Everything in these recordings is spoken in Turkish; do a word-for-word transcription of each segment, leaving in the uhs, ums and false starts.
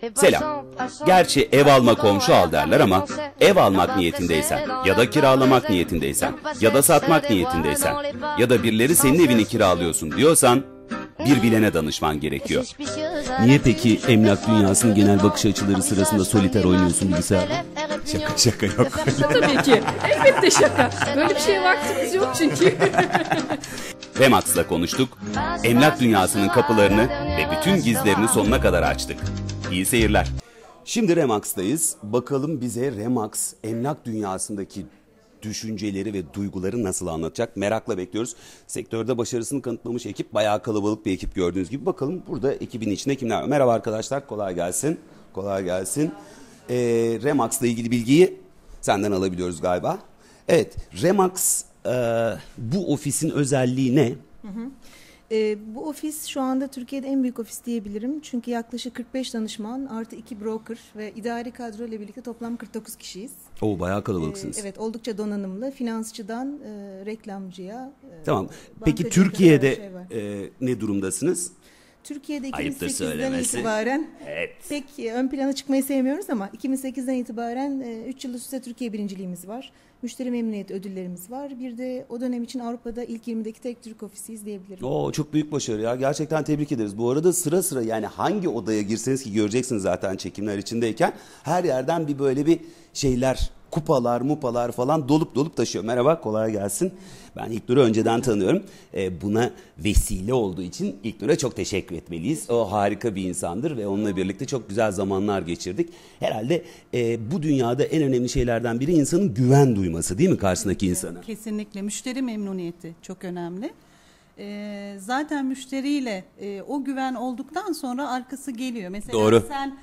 Selam. Gerçi ev alma komşu al derler ama ev almak niyetindeysen ya da kiralamak niyetindeysen ya da satmak niyetindeysen ya da birileri senin evini kiralıyorsun diyorsan bir bilene danışman gerekiyor. Niye peki emlak dünyasının genel bakış açıları sırasında soliter oynuyorsun bilgisayarda? Şaka şaka yok. Tabii ki. Elbette şaka. Böyle bir şeye vaktimiz yok çünkü. Remax'la konuştuk. Emlak dünyasının kapılarını ve bütün gizlerini sonuna kadar açtık. İyi seyirler. Şimdi Remax'tayız. Bakalım bize Remax emlak dünyasındaki düşünceleri ve duyguları nasıl anlatacak? Merakla bekliyoruz. Sektörde başarısını kanıtlamış ekip, bayağı kalabalık bir ekip gördüğünüz gibi. Bakalım burada ekibin içinde kimler var? Merhaba arkadaşlar, kolay gelsin. Kolay gelsin. Ee, Remax'la ilgili bilgiyi senden alabiliyoruz galiba. Evet, Remax e, bu ofisin özelliği ne? Hı hı. E, bu ofis şu anda Türkiye'de en büyük ofis diyebilirim. Çünkü yaklaşık kırk beş danışman artı iki broker ve idari kadro ile birlikte toplam kırk dokuz kişiyiz. Oo, bayağı kalabalıksınız. E, evet, oldukça donanımlı. Finansçıdan e, reklamcıya. E, tamam. Peki Türkiye'de şey e, ne durumdasınız? Türkiye'de iki bin sekizden itibaren evet. pek ön plana çıkmayı sevmiyoruz ama iki bin sekizden itibaren üç yıl üst üste Türkiye birinciliğimiz var. Müşteri memnuniyet ödüllerimiz var. Bir de o dönem için Avrupa'da ilk yirmideki tek Türk ofisiyiz diyebilirim. Oo, çok büyük başarı ya. Gerçekten tebrik ederiz. Bu arada sıra sıra, yani hangi odaya girseniz, ki göreceksiniz zaten çekimler içindeyken, her yerden bir böyle bir şeyler, kupalar, mupalar falan dolup dolup taşıyor. Merhaba, kolay gelsin. Ben İlknur'u önceden tanıyorum. Ee, buna vesile olduğu için İlknur'a çok teşekkür etmeliyiz. O harika bir insandır ve onunla birlikte çok güzel zamanlar geçirdik. Herhalde e, bu dünyada en önemli şeylerden biri insanın güven duyması, değil mi karşısındaki insana? Kesinlikle. Müşteri memnuniyeti çok önemli. E, zaten müşteriyle e, o güven olduktan sonra arkası geliyor. Mesela doğru. Sen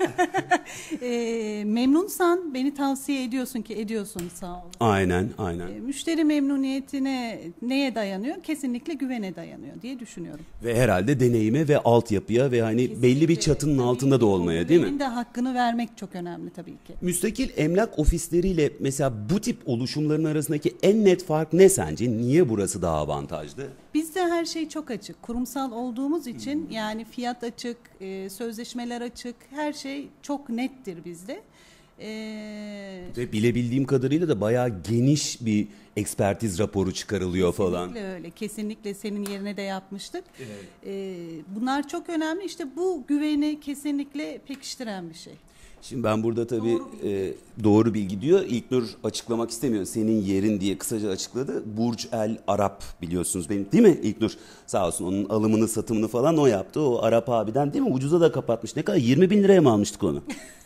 e, memnunsan beni tavsiye ediyorsun ki ediyorsun, sağ ol. Aynen, aynen. E, müşteri memnuniyetine neye dayanıyor? Kesinlikle güvene dayanıyor diye düşünüyorum. Ve herhalde deneyime ve altyapıya ve hani kesinlikle belli bir çatının tabii altında da olmaya, değil mi? Güvenin de hakkını vermek çok önemli tabii ki. Müstakil emlak ofisleriyle mesela bu tip oluşumların arasındaki en net fark ne sence? Niye burası daha avantajlı? Bizde her şey çok açık. Kurumsal olduğumuz için hmm. yani fiyat açık, e, sözleşmeler açık, her şey çok nettir bizde. E... Ve bilebildiğim kadarıyla da bayağı geniş bir ekspertiz raporu çıkarılıyor kesinlikle falan. Kesinlikle öyle. Kesinlikle senin yerine de yapmıştık. Evet. E, bunlar çok önemli. İşte bu güveni kesinlikle pekiştiren bir şey. Şimdi ben burada tabii doğru, e, doğru bilgi diyor. İlknur açıklamak istemiyor. Senin yerin diye kısaca açıkladı. Burj El Arab biliyorsunuz benim, değil mi İlknur? Sağ olsun, onun alımını satımını falan o yaptı. O Arap abiden, değil mi? Ucuza da kapatmış. Ne kadar? yirmi bin liraya mı almıştık onu?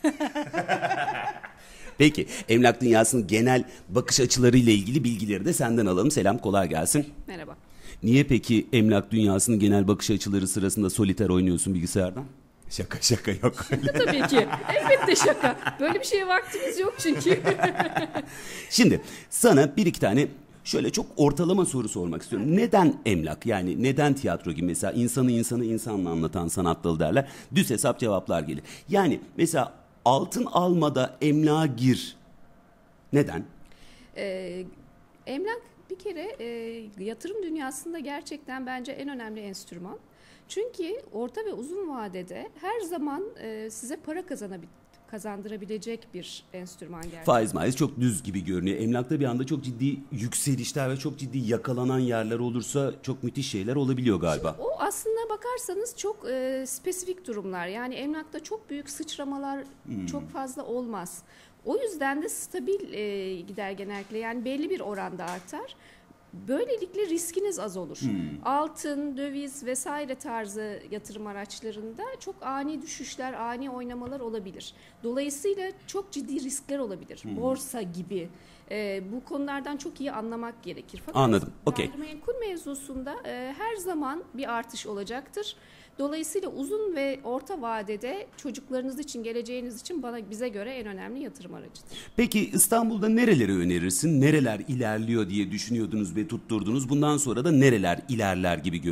Peki, emlak dünyasının genel bakış açılarıyla ilgili bilgileri de senden alalım. Selam, kolay gelsin. Merhaba. Niye peki emlak dünyasının genel bakış açıları sırasında soliter oynuyorsun bilgisayardan? Şaka şaka yok. Tabii ki. Elbette şaka. Böyle bir şeye vaktimiz yok çünkü. Şimdi sana bir iki tane şöyle çok ortalama soru sormak istiyorum. Neden emlak? Yani neden tiyatro gibi? Mesela insanı insanı insanla anlatan sanat dalı derler. Düz hesap cevaplar gelir. Yani mesela altın almada emlağa gir. Neden? Ee, emlak bir kere e, yatırım dünyasında gerçekten bence en önemli enstrüman. Çünkü orta ve uzun vadede her zaman e, size para kazanabil- kazandırabilecek bir enstrüman gerçekten. Faiz maiz çok düz gibi görünüyor. Emlakta bir anda çok ciddi yükselişler ve çok ciddi yakalanan yerler olursa çok müthiş şeyler olabiliyor galiba. Şimdi o aslında bakarsanız çok e, spesifik durumlar. Yani emlakta çok büyük sıçramalar hmm. çok fazla olmaz. O yüzden de stabil e, gider genellikle, yani belli bir oranda artar. Böylelikle riskiniz az olur. Hmm. Altın, döviz vesaire tarzı yatırım araçlarında çok ani düşüşler, ani oynamalar olabilir. Dolayısıyla çok ciddi riskler olabilir. Hmm. Borsa gibi. Ee, bu konulardan çok iyi anlamak gerekir. Fakat anladım. Okay. Gayrimenkul mevzusunda e, her zaman bir artış olacaktır. Dolayısıyla uzun ve orta vadede çocuklarınız için, geleceğiniz için bana bize göre en önemli yatırım aracıdır. Peki İstanbul'da nereleri önerirsin? Nereler ilerliyor diye düşünüyordunuz ve tutturdunuz. Bundan sonra da nereler ilerler gibi görünüyor?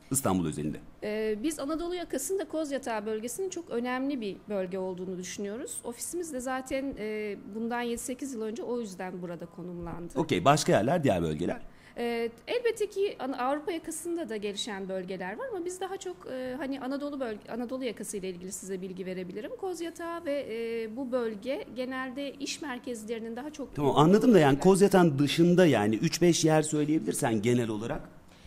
İstanbul özelinde? Ee, biz Anadolu yakasında Kozyatağı bölgesinin çok önemli bir bölge olduğunu düşünüyoruz. Ofisimiz de zaten e, bundan yedi sekiz yıl önce o yüzden burada konumlandı. Okey, başka yerler, diğer bölgeler? Ee, elbette ki Avrupa yakasında da gelişen bölgeler var ama biz daha çok e, hani Anadolu bölge, Anadolu yakası ile ilgili size bilgi verebilirim. Kozyatağı ve e, bu bölge genelde iş merkezlerinin daha çok... Tamam, anladım da yani Kozyatağı'nın dışında yani üç beş yer söyleyebilirsen genel olarak.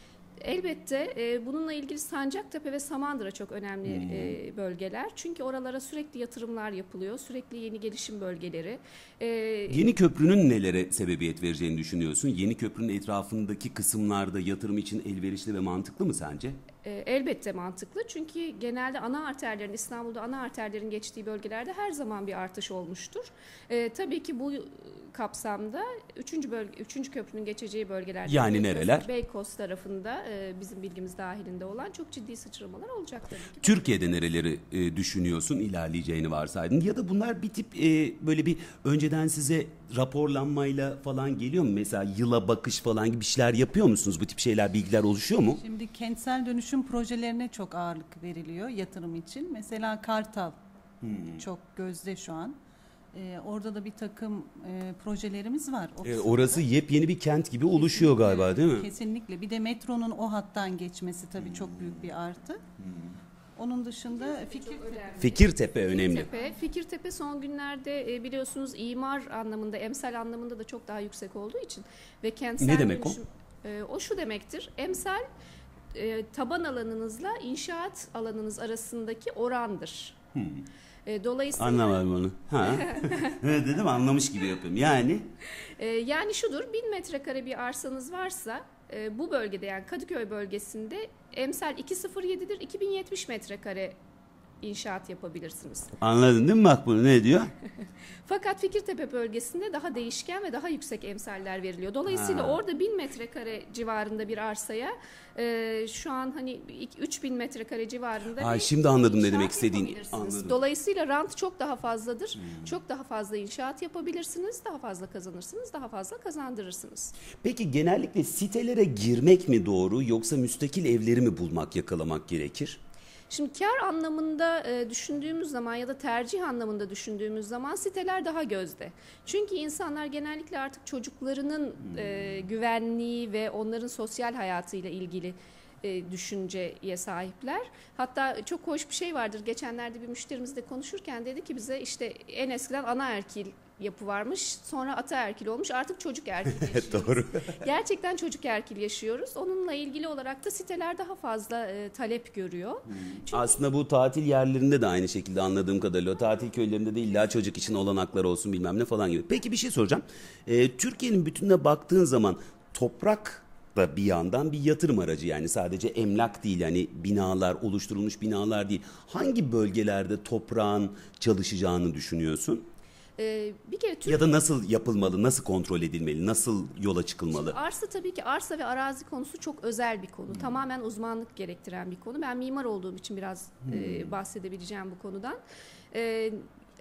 Elbette e, bununla ilgili Sancaktepe ve Samandıra çok önemli hmm. e, bölgeler. Çünkü oralara sürekli yatırımlar yapılıyor. Sürekli yeni gelişim bölgeleri. E, Yeni köprünün nelere sebebiyet vereceğini düşünüyorsun? Yeni köprünün etrafındaki kısımlarda yatırım için elverişli ve mantıklı mı sence? E, elbette mantıklı. Çünkü genelde ana arterlerin, İstanbul'da ana arterlerin geçtiği bölgelerde her zaman bir artış olmuştur. E, tabii ki bu kapsamda üçüncü bölge, üçüncü köprünün geçeceği bölgelerde, yani Beykoz, nereler? Beykoz tarafında e, bizim bilgimiz dahilinde olan çok ciddi sıçramalar olacak tabii ki. Türkiye'de nereleri e, düşünüyorsun, ilerleyeceğini varsaydın? Ya da bunlar bir tip e, böyle bir önceden size raporlanmayla falan geliyor mu? Mesela yıla bakış falan gibi şeyler yapıyor musunuz? Bu tip şeyler, bilgiler oluşuyor mu? Şimdi kentsel dönüşüm projelerine çok ağırlık veriliyor yatırım için. Mesela Kartal hmm. çok gözde şu an. Ee, orada da bir takım e, projelerimiz var. E, orası yepyeni bir kent gibi oluşuyor kesinlikle, galiba, değil mi? Kesinlikle. Bir de metronun o hattan geçmesi tabii hmm. çok büyük bir artı. Hmm. Onun dışında Fikirtepe. Fikirtepe önemli. Fikirtepe, Fikirtepe son günlerde biliyorsunuz imar anlamında, emsal anlamında da çok daha yüksek olduğu için ve kentsel ne demek dönüşüm, o? O şu demektir. Emsal taban alanınızla inşaat alanınız arasındaki orandır. Hmm. Dolayısıyla anlamadım onu. Ha. Evet dedim, anlamış gibi yapıyorum. Yani yani şudur, bin metrekare bir arsanız varsa bu bölgede, yani Kadıköy bölgesinde emsal iki bin yedidir. iki bin yetmiş metrekare inşaat yapabilirsiniz. Anladın değil mi bak bunu, ne diyor? Fakat Fikirtepe bölgesinde daha değişken ve daha yüksek emsaller veriliyor. Dolayısıyla ha. orada bin metrekare civarında bir arsaya e, şu an hani üç bin metrekare civarında Ay, bir şimdi anladım ne demek istediğini. Anladım. Dolayısıyla rant çok daha fazladır. Hmm. Çok daha fazla inşaat yapabilirsiniz. Daha fazla kazanırsınız. Daha fazla kazandırırsınız. Peki genellikle sitelere girmek mi doğru, yoksa müstakil evleri mi bulmak, yakalamak gerekir? Şimdi kar anlamında e, düşündüğümüz zaman ya da tercih anlamında düşündüğümüz zaman siteler daha gözde. Çünkü insanlar genellikle artık çocuklarının e, güvenliği ve onların sosyal hayatıyla ilgili e, düşünceye sahipler. Hatta çok hoş bir şey vardır. Geçenlerde bir müşterimizle konuşurken dedi ki bize, işte en eskiden anaerkil yapı varmış, sonra ataerkil olmuş, artık çocuk erkil yaşıyoruz. Doğru. Gerçekten çocuk erkil yaşıyoruz. Onunla ilgili olarak da siteler daha fazla e, talep görüyor. Hmm. Çünkü aslında bu tatil yerlerinde de aynı şekilde, anladığım kadarıyla tatil köylerinde de illa çocuk için olanaklar olsun bilmem ne falan gibi. Peki bir şey soracağım. Ee, Türkiye'nin bütününe baktığın zaman toprak da bir yandan bir yatırım aracı, yani sadece emlak değil, yani binalar, oluşturulmuş binalar değil. Hangi bölgelerde toprağın çalışacağını düşünüyorsun? Ee, bir kere Türk... Ya da nasıl yapılmalı, nasıl kontrol edilmeli, nasıl yola çıkılmalı? Şimdi arsa, tabii ki arsa ve arazi konusu çok özel bir konu. Hmm. Tamamen uzmanlık gerektiren bir konu. Ben mimar olduğum için biraz hmm. e, bahsedebileceğim bu konudan. E,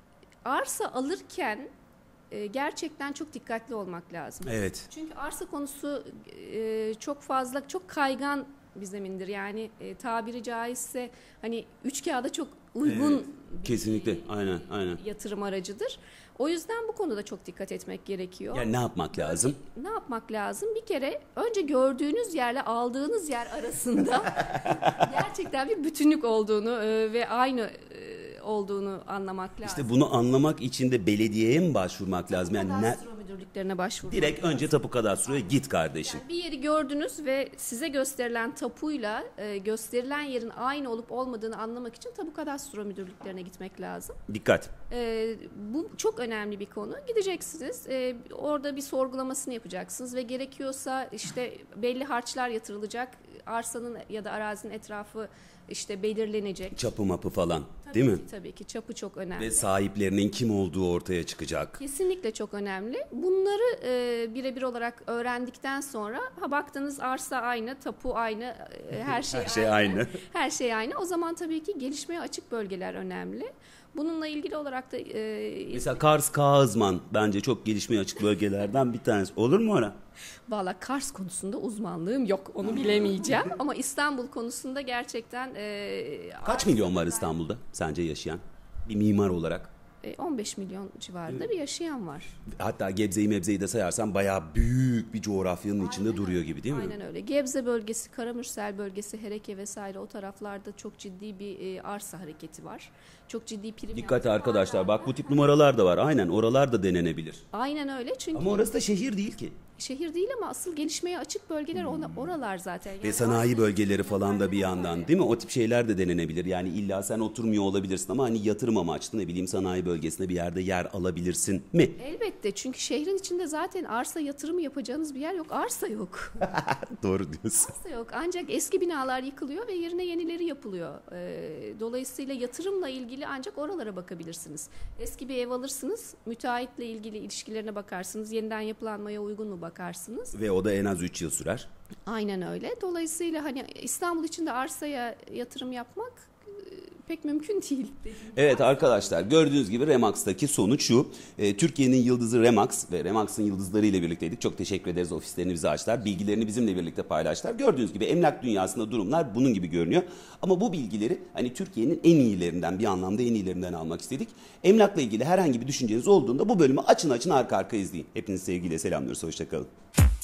arsa alırken e, gerçekten çok dikkatli olmak lazım. Evet. Çünkü arsa konusu e, çok fazla, çok kaygan bir zemindir. Yani e, tabiri caizse hani üç kağıda çok uygun evet, bir kesinlikle aynen aynen yatırım aracıdır. O yüzden bu konuda çok dikkat etmek gerekiyor. Yani ne yapmak lazım? Ne yapmak lazım? Bir kere önce gördüğünüz yerle aldığınız yer arasında gerçekten bir bütünlük olduğunu e, ve aynı e, olduğunu anlamak lazım. İşte bunu anlamak için de belediyeye mi başvurmak lazım? Yani kadastro ne... müdürlüklerine başvurmak direkt lazım. Önce tapu kadastroya git kardeşim. Yani bir yeri gördünüz ve size gösterilen tapuyla e, gösterilen yerin aynı olup olmadığını anlamak için tapu kadastro müdürlüklerine gitmek lazım. Dikkat. E, bu çok önemli bir konu. Gideceksiniz, e, orada bir sorgulamasını yapacaksınız ve gerekiyorsa işte belli harçlar yatırılacak, arsanın ya da arazinin etrafı işte belirlenecek. Çapı mapı falan, tabii değil ki, mi? Tabii ki çapı çok önemli. Ve sahiplerinin kim olduğu ortaya çıkacak. Kesinlikle çok önemli. Bunları e, birebir olarak öğrendikten sonra ha baktınız arsa aynı, tapu aynı, e, her şey, her şey aynı. aynı. Her şey aynı. O zaman tabii ki gelişmeye açık bölgeler önemli. Bununla ilgili olarak da e, Mesela Kars, Kağızman bence çok gelişmeye açık bölgelerden bir tanesi. Olur mu ora? valla Kars konusunda uzmanlığım yok. Onu bilemeyeceğim. Ama İstanbul konusunda gerçekten e, Kaç milyon var İstanbul'da sence yaşayan? Bir mimar olarak. e, on beş milyon civarında bir yaşayan var. Hatta Gebze'yi Mebze'yi de sayarsan bayağı büyük bir coğrafyanın içinde duruyor gibi değil mi? Aynen öyle. Gebze bölgesi, Karamürsel bölgesi, Hereke vesaire o taraflarda çok ciddi bir e, arsa hareketi var. Çok ciddi prim. Dikkat yaptı. arkadaşlar, bak bu tip numaralar da var. Aynen, oralar da denenebilir. Aynen öyle çünkü Ama orası da şehir değil ki. şehir değil ama asıl gelişmeye açık bölgeler ona, oralar zaten. Yani Ve sanayi arsa- bölgeleri falan da bir yandan değil mi? O tip şeyler de denenebilir. Yani illa sen oturmuyor olabilirsin ama hani yatırım amaçlı ne bileyim sanayi bölgesinde bir yerde yer alabilirsin mi? Elbette çünkü şehrin içinde zaten arsa yatırımı yapacağınız bir yer yok. Arsa yok. Doğru diyorsun. Arsa yok. Ancak eski binalar yıkılıyor ve yerine yenileri yapılıyor. Ee, dolayısıyla yatırımla ilgili ancak oralara bakabilirsiniz. Eski bir ev alırsınız, müteahhitle ilgili ilişkilerine bakarsınız, yeniden yapılanmaya uygun mu bakarsınız. Ve o da en az üç yıl sürer. Aynen öyle. Dolayısıyla hani İstanbul içinde arsaya yatırım yapmak e, pek mümkün değil. Evet arkadaşlar, gördüğünüz gibi Remax'taki sonuç şu. E, Türkiye'nin yıldızı Remax ve Remax'ın yıldızları ile birlikteydik. Çok teşekkür ederiz, ofislerini bize açtılar. Bilgilerini bizimle birlikte paylaştılar. Gördüğünüz gibi emlak dünyasında durumlar bunun gibi görünüyor. Ama bu bilgileri hani Türkiye'nin en iyilerinden, bir anlamda en iyilerinden almak istedik. Emlakla ilgili herhangi bir düşünceniz olduğunda bu bölümü açın açın arka arka izleyin. Hepinizi sevgiyle selamlıyoruz. Hoşça kalın.